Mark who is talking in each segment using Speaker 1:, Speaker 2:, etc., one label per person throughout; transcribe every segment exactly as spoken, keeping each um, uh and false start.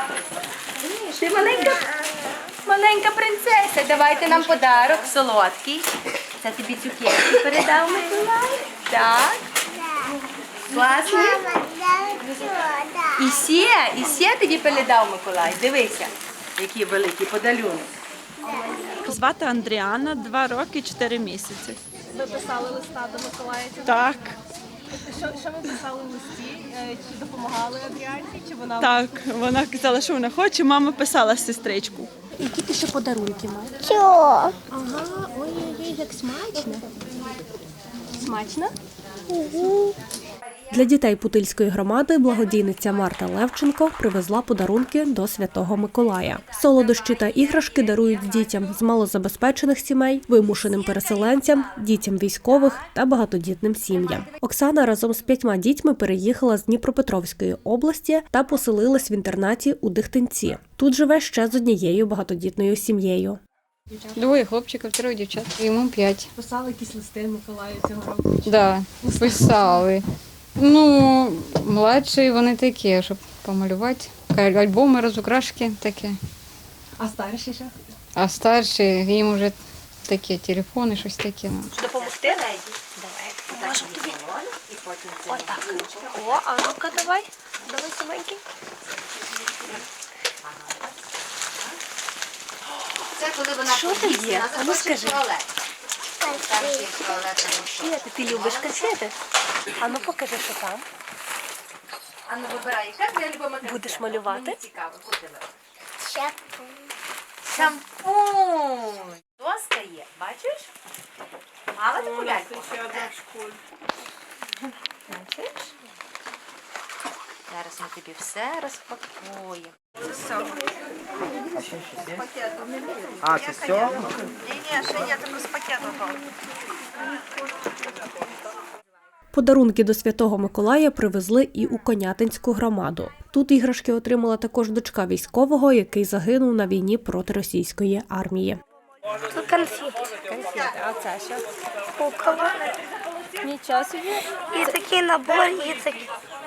Speaker 1: Ти маленька, маленька принцеса. Давайте нам подарок солодкий. Це тобі цукерки передав Миколай. Так. Класний. І ще, і ще тобі передав Миколай. Дивися, який великий подарунок.
Speaker 2: Звати Андріана, два роки, чотири місяці.
Speaker 3: Ви писали листа до Миколая?
Speaker 2: Так,
Speaker 3: Що, що ви писали в листі? Е, Чи допомагали Адріанці? Чи вона
Speaker 2: так. Вона казала, що вона хоче, мама писала сестричку.
Speaker 1: Які ти ще подарунки маєш?
Speaker 4: Чого?
Speaker 1: Ага, ой-ой-ой, як смачно. Смачно?
Speaker 5: Для дітей Путильської громади благодійниця Марта Левченко привезла подарунки до Святого Миколая. Солодощі та іграшки дарують дітям з малозабезпечених сімей, вимушеним переселенцям, дітям військових та багатодітним сім'ям. Оксана разом з п'ятьма дітьми переїхала з Дніпропетровської області та поселилась в інтернаті у Дихтинці. Тут живе ще з однією багатодітною сім'єю.
Speaker 6: Двоє хлопчиків, троє дівчат. Йому п'ять.
Speaker 3: писали якісь листи Миколаю цього року?
Speaker 6: Да, писали. Ну, младші вони такі, щоб помалювати. Альбоми, розукрашки такі.
Speaker 3: А старші що?
Speaker 6: А старші, їм вже такі телефони, щось таке.
Speaker 1: Допомогти? Давай. Можу тобі. Отак. О, а ну-ка давай. Давай, саменький.
Speaker 7: Це коли вона
Speaker 1: Що ти є? А ну скажи.
Speaker 7: туалет. Перший туалет.
Speaker 1: Качети. Ти любиш качети? А ну покажи, що там.
Speaker 7: А ну вибирай, яка твоя любима картина?
Speaker 1: Будеш малювати?
Speaker 7: Мені цікаво, куди ви?
Speaker 4: Шапку.
Speaker 7: Шампунь. Доска є, бачиш? Мала таку ляльку? Бачиш? Зараз ми тобі все розпакуємо.
Speaker 8: А, це все?
Speaker 5: Подарунки до Святого Миколая привезли і у Конятинську громаду. Тут іграшки отримала також дочка військового, який загинув на війні проти російської армії.
Speaker 4: Тут конфети.
Speaker 1: Конфети. А це що?
Speaker 4: Кукова.
Speaker 1: Нічого собі.
Speaker 4: І такий набор, і такий.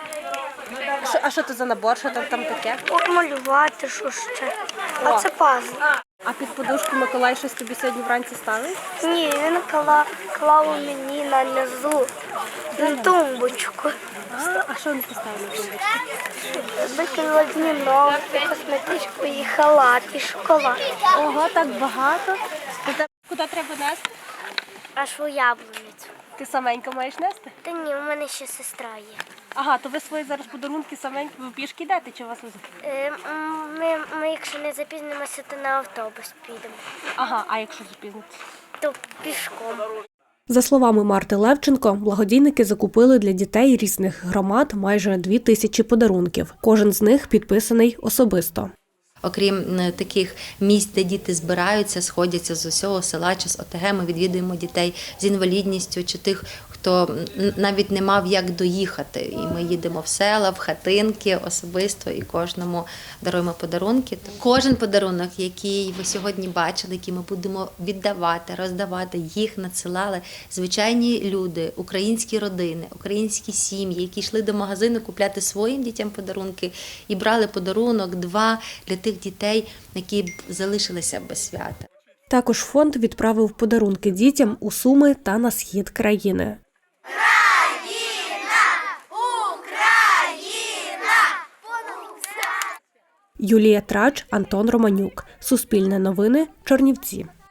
Speaker 1: Що- А що це за набор? Що там, там таке?
Speaker 4: Малювати, що ще. А це пазл.
Speaker 1: А під подушку Миколай щось тобі сьогодні вранці ставив?
Speaker 4: Ні, він клав, клав мені на низу, на тумбочку.
Speaker 1: А, а що він поставив на тумбочку?
Speaker 4: Викинула днінок, косметичку, і халат, і шоколад.
Speaker 1: Ого, так багато. Куди, куди треба нести?
Speaker 4: Аж у яблуницю.
Speaker 1: Ти саменько маєш нести?
Speaker 4: Та ні, у мене ще сестра є.
Speaker 1: Ага, то ви свої зараз подарунки саменько, ви пішки йдете чи вас везуть?
Speaker 4: Е, м, Ми, ми, якщо не запізнимося, то на автобус підемо.
Speaker 1: Ага, а якщо запізнитися?
Speaker 4: То пішком.
Speaker 5: За словами Марти Левченко, благодійники закупили для дітей різних громад майже дві тисячі подарунків. Кожен з них підписаний особисто.
Speaker 7: Окрім таких місць, де діти збираються, сходяться з усього села чи з ОТГ, ми відвідуємо дітей з інвалідністю чи тих, хто навіть не мав як доїхати. І ми їдемо в села, в хатинки особисто і кожному даруємо подарунки. Кожен подарунок, який ви сьогодні бачили, який ми будемо віддавати, роздавати, їх надсилали звичайні люди, українські родини, українські сім'ї, які йшли до магазину купляти своїм дітям подарунки і брали подарунок, два для тих дітей, які б залишилися без свята.
Speaker 5: Також фонд відправив подарунки дітям у Суми та на схід країни. Юлія Трач, Антон Романюк. Суспільне новини, Чернівці.